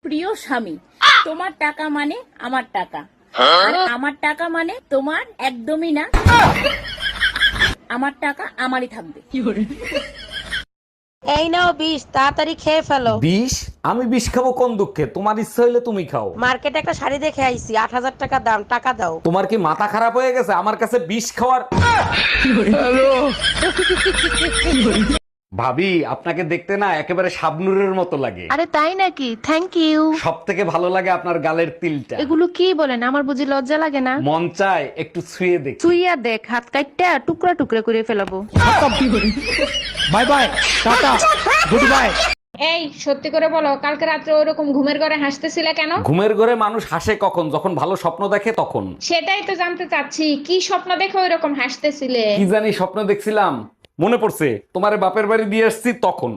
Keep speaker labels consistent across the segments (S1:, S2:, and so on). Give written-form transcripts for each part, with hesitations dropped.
S1: প্রিয় স্বামী, তোমার টাকা মানে আমার টাকা, আর আমার টাকা মানে তোমার একদমই না। আমার টাকা আমারই থাকবে।
S2: এই নাও বিষ, তাড়াতাড়ি খেয়ে ফেলো।
S3: বিষ? আমি বিষ খাবো কোন দুঃখে? তোমার ইচ্ছা হইলে তুমি খাও।
S2: মার্কেটে একটা শাড়ি দেখে আইছি, ৮,০০০ টাকা দাম, টাকা দাও।
S3: তোমার কি মাথা খারাপ হয়ে গেছে আমার কাছে বিষ খাওয়ার? ভাবি, আপনাকে দেখতে না একেবারে শাবনুরের মতো লাগে।
S4: আরে তাই নাকি? Thank you.
S3: সব থেকে ভালো লাগে আপনার গালের তিলটা।
S4: এগুলো কি বলেন? আমার বুঝি লজ্জা লাগে না?
S3: মন চায় একটু ছুঁয়ে দেখ।
S4: তুইয়া দেখ, হাত কাটটা টুকরা টুকরা করে ফেলাবো।
S3: Bye bye, tata, good bye.
S5: এই সত্যি করে বলো, কালকে রাত্রে ওরকম ঘুমের ঘরে হাসতেছিলে কেন?
S3: ঘুমের ঘরে মানুষ হাসে কখন? যখন ভালো স্বপ্ন দেখে তখন।
S5: সেটাই তো জানতে চাচ্ছি, কি স্বপ্ন দেখে ওইরকম হাসতেছিলে?
S3: কি জানি স্বপ্ন দেখছিলাম, মনে পড়ছে তোমারে বাপের বাড়ি দিয়ে আসছি তখন।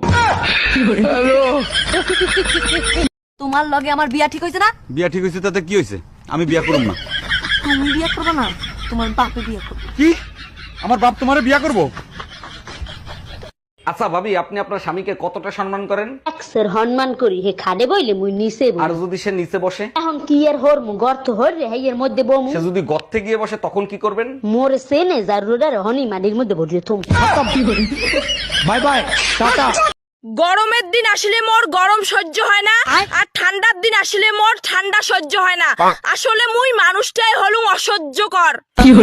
S6: তোমার লগে আমার বিয়া ঠিক হইছে না?
S7: বিয়া ঠিক হয়েছে তাতে কি হয়েছে? আমি বিয়া করব না।
S6: তুমি বিয়া করবে না, তোমার বাপে বিয়া করবে।
S7: কি? আমার বাপ তোমারে বিয়া করব?
S3: আচ্ছা ভাবি, আপনি আপনার স্বামীকে কতটা সম্মান করেন?
S8: স্যার সম্মান করি, হে খাদে বইলে মুই নিচে বই।
S3: আর যদি সে নিচে বসে?
S8: এখন কি এর হর মু গর্ত হর রে হেয়ের মধ্যে বমু।
S3: সে যদি গর্তে গিয়ে বসে তখন কি করবেন?
S8: মোর সেনে জারুরার হনি মানির মধ্যে বসে থুম।
S3: By bye, tata.
S6: গরমের দিন আসলে মোর গরম সহ্য হয় না, আর ঠান্ডার দিন আসলে মোর ঠান্ডা সহ্য হয় না। আসলে মুই মানুষটাই হলুম অসহ্যকর।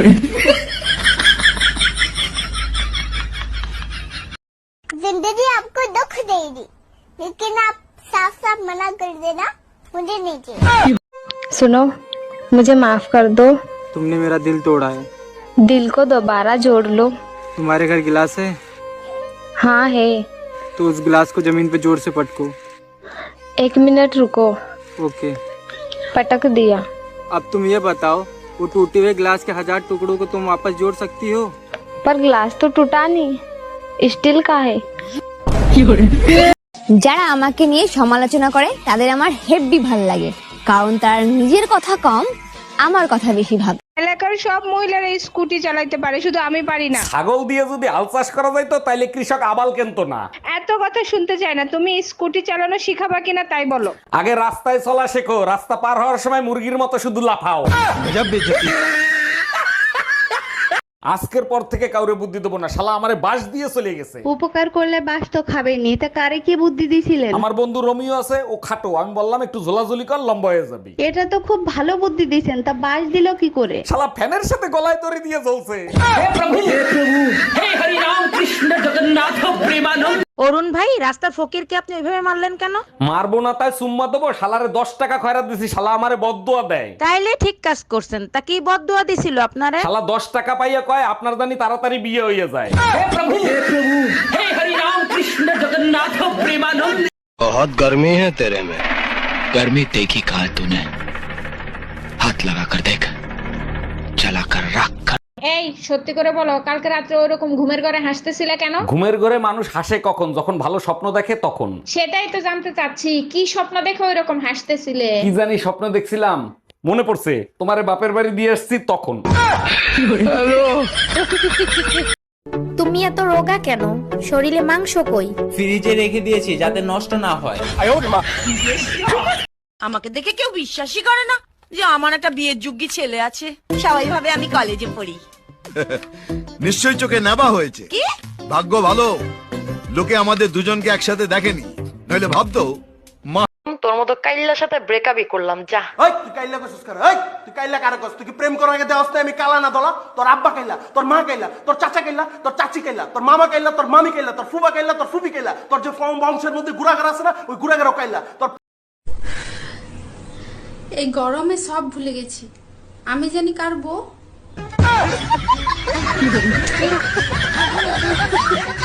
S9: जिंदगी आपको दुख देगी, लेकिन आप साफ साफ मना कर देना मुझे नहीं चाहिए।
S4: सुनो, मुझे माफ कर दो।
S10: तुमने मेरा दिल तोड़ा है।
S4: दिल को दोबारा जोड़ लो।
S10: तुम्हारे घर गिलास है?
S4: हाँ है।
S10: तो उस गिलास को जमीन पे जोर से पटको।
S4: 1 मिनट रुको।
S10: ओके।
S4: पटक दिया।
S10: अब तुम ये बताओ, वो टूटे हुए गिलास के 1000 टुकड़ों को तुम वापस जोड़ सकती हो?
S4: पर ग्लास तो टूटा नहीं, स्टील का है।
S11: যারা আমাকে নিয়ে সমালোচনা করে তাদের আমার হেভি ভাল লাগে, কারণ তারা নিজের কথা কম, আমার কথা বেশি ভাবে।
S5: এলাকার সব মহিলারা স্কুটি চালাইতে পারে, শুধু আমি পারি না।
S3: ছাগল দিয়ে যদি আল চাষ করা যায় তো তাইলে কৃষক আবাল কেনতো না।
S5: এত কথা শুনতে চাই না, তুমি স্কুটি চালানো শিখাবা কিনা তাই বলো।
S3: আগে রাস্তায় চলা শেখো, রাস্তা পার হওয়ার সময় মুরগির মতো শুধু লাফাও। আজকের পর থেকে কাউরে বুদ্ধি দেবো না, শালা আমারে বাঁশ দিয়ে চলে গেছে।
S4: উপকার করলে বাস তো খাবেনি, তা কারে কি বুদ্ধি দিছিলেন?
S3: আমার বন্ধু রোমিও আছে, ও খাটো, আমি বললাম একটু ঝোলাঝুলি কর, লম্বা হয়ে যাবি।
S4: এটা তো খুব ভালো বুদ্ধি দিছেন, তা বাস দিল কি করে?
S3: শালা ফ্যানের সাথে গলায় দড়ি দিয়ে জ্বলছে।
S2: অরুণ ভাই, রাস্তার ফকিরকে আপনি ওইভাবে মারলেন কেন?
S3: মারবো না তাই সুম্মা দেবো? শালারে 10 টাকা খয়রাত দিছি, শালা আমারে বদদুয়া দেয়।
S2: তাইলে ঠিক কাজ করছেন। তা কি বদদুয়া দিছিল আপনারে?
S3: শালা 10 টাকা পাইয়া কয় আপনার জানি তাড়াতাড়ি বিয়ে হয়ে যায়।
S12: बहुत गर्मी है तेरे में। गर्मी देखी कहा है तूने? हाथ लगा कर देख, चला कर रख कर।
S5: এই সত্যি করে বলো, কালকে রাত্রে ওরকম ঘুমের ঘরে হাসতেছিলে কেন?
S3: ঘুমের ঘরে মানুষ হাসে কখন? যখন ভালো স্বপ্ন দেখে তখন।
S5: সেটাই তো জানতে চাচ্ছি, কি স্বপ্ন দেখে ওইরকম হাসতেছিলে?
S3: কি জানি স্বপ্ন দেখছিলাম, মনে পড়ছে তোমারে বাপের বাড়ি দিয়ে আসছি তখন।
S11: তুমি এত রোগা কেন? শরীরে মাংস কই?
S10: ফ্রিজে রেখে দিয়েছি যাতে নষ্ট না হয়।
S6: আমাকে দেখে কেউ বিশ্বাসই করে না যে আমার একটা বিয়ের যোগ্য ছেলে আছে। সবাই ভাবে আমি কলেজে পড়ি।
S12: নিশ্চয়ই চোখে নেবা হয়েছে।
S6: কি
S12: ভাগ্য ভালো, লোকে আমাদের দুজনকে একসাথে দেখেনি, নইলে ভাবতো
S2: তোর মতো কাইল্লার সাথে ব্রেকআপই করলাম, যা।
S10: ওই তুই কাইল্লা কইছস কার? ওই তুই কাইল্লা কার কইছস? তুই কি প্রেম করার আগে দেওয়াস না আমি কালা না দলা? তোর আব্বা কাইল্লা, তোর মা কাইল্লা, তোর চাচা কাইল্লা, তোর চাচি কাইল্লা, তোর মামা কাইল্লা, তোর মামি কাইল্লা, তোর ফুবা কাইল্লা, তোর ফুবি কাইল্লা, তোর যে বংশের মধ্যে গুড়াগার আছে না, ওই গুড়াগারও কাইল্লা। তোর
S9: এই গরমে সব ভুলে গেছি, আমি জানি কার বউ।